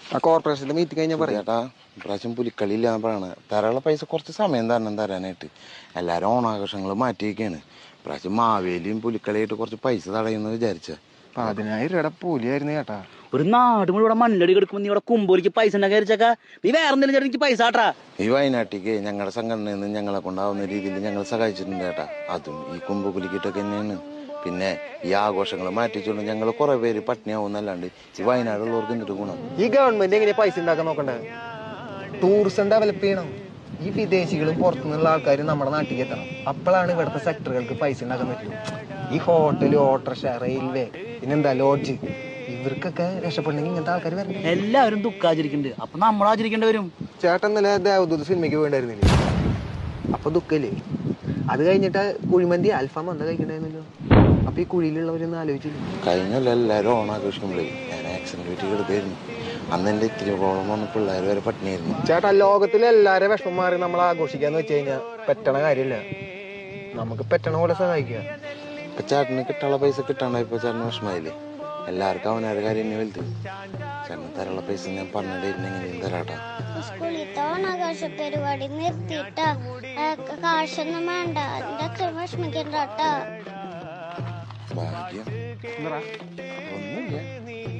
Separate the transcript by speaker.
Speaker 1: ആ കോർപ്പറേഷന്റെ മീറ്റിംഗ് കഴിഞ്ഞാൽ പറയാം.
Speaker 2: ചേട്ടാ ഇപ്രാവശ്യം പുലിക്കളി ഇല്ലാന്ന് പറയണ തരാനുള്ള പൈസ കുറച്ച് സമയം തരാനായിട്ട്. എല്ലാരും ഓണാഘോഷങ്ങൾ മാറ്റിയിരിക്കാണ്. ഇപ്രാവശ്യം മാവേലിയും പുലിക്കളിയായിട്ട് കുറച്ച് പൈസ തടയുന്നു വിചാരിച്ച.
Speaker 1: 10,000 രൂപയുടെ കൂലിയായിരുന്നു ചേട്ടാ.
Speaker 3: ഒരു നാട് മുഴുവൻ ഇവിടെ മണ്ണടി കിടക്കുമ്പോ നീ ഇവിടെ കുമ്പോലിക്ക് പൈസ ഉണ്ടാക്കിയാ നീ വേറെ എന്തെങ്കിലും ചേട്ടാ എനിക്ക് പൈസ ആട്ടാ.
Speaker 2: ഈ വയനാട്ടിക്ക് ഞങ്ങളുടെ സംഘടനയിൽ നിന്ന് ഞങ്ങളെ കൊണ്ടാവുന്ന രീതിയിൽ ഞങ്ങൾ സഹായിച്ചിട്ടുണ്ട് ചേട്ടാ. അതും ഈ കുമ്പുകുലിക്കിട്ടൊക്കെ തന്നെയാണ്. പിന്നെ ഈ ആഘോഷങ്ങൾ മാറ്റിച്ചുകൊണ്ട് ഞങ്ങൾ കുറെ പേര് പട്ടിണിയാവുന്നല്ലാണ്ട് ഈ വയനാടുള്ളവർക്ക് എന്തൊരു ഗുണം.
Speaker 1: ഈ ഗവൺമെന്റ് എങ്ങനെയാ പൈസ ഉണ്ടാക്കാൻ നോക്കണ്ടേ? ടൂറിസം ഡെവലപ്പ് ചെയ്യണം. ഈ വിദേശികളും പുറത്തുനിന്നുള്ള ആൾക്കാരും നമ്മുടെ നാട്ടിലേക്ക് എത്തണം. അപ്പോഴാണ് ഇവിടുത്തെ സെക്ടറുകൾക്ക് പൈസ ഉണ്ടാക്കാൻ പറ്റുള്ളൂ. ഈ ഹോട്ടല്, ഓട്ടോറിക്ഷ, റെയിൽവേ, പിന്നെന്താ ലോഡ്ജ്, ഇവർക്കൊക്കെ രക്ഷപ്പെടണമെങ്കിൽ ഇങ്ങനത്തെ ആൾക്കാർ വരണം.
Speaker 3: എല്ലാവരും ദുഃഖാചരിക്കുന്നുണ്ട്, അപ്പൊ നമ്മൾ ആചരിക്കേണ്ടി വരും.
Speaker 1: ചേട്ടൻ ഇന്നലെ ദേവദൂത് സിനിമയ്ക്ക് പോയിണ്ടായിരുന്നില്ലേ? അപ്പൊ ദുഃഖല്ലേ? അത് കഴിഞ്ഞിട്ട് കുഴിമന്തി അൽഫാം എന്താ കഴിക്കണ്ടായിരുന്നല്ലോ. അപ്പൊ ഈ കുഴിയിലുള്ളവരൊന്നും ആലോചിച്ചില്ല.
Speaker 2: കഴിഞ്ഞല്ല എല്ലാവരും ഓണാഘോഷിക്കുമ്പോഴേ ഞാൻ ആക്സിഡന്റ് പറ്റി കിടക്കായിരുന്നു. അന്ന് എന്റെ ഇത്തിരി പ്രോബ്ലം വന്ന പിള്ളേർ വരെ പട്ടിണിയായിരുന്നു.
Speaker 1: ചേട്ടാ, ലോകത്തിലെ എല്ലാവരും വിഷമം മാറി നമ്മൾ ആഘോഷിക്കാന്ന് വെച്ച് കഴിഞ്ഞാൽ പറ്റണ കാര്യമില്ല. നമുക്ക് പറ്റണ പോലെ സഹായിക്കുക.
Speaker 2: ഇപ്പൊ ചേട്ടന് കിട്ടാനുള്ള പൈസ കിട്ടാണ്ടായപ്പോ ചേട്ടന് വിഷമായില്ലേ? എല്ലാവർക്കും അവനൊരു കാര്യം തന്നെ വലുത്. ചേട്ടന് തരാനുള്ള പൈസ ഞാൻ പറഞ്ഞിട്ടുണ്ടെങ്കിലും തരാട്ടാ.
Speaker 4: സ്കൂളിലത്തെ ഓണാഘോഷ പരിപാടി നിർത്തിയിട്ടാ. കാശൊന്നും വേണ്ട, എന്റെ അച്ഛൻ വിഷമിക്കണ്ടാട്ടാ.
Speaker 2: ഭാഗ്യം ഒന്നുമില്ല.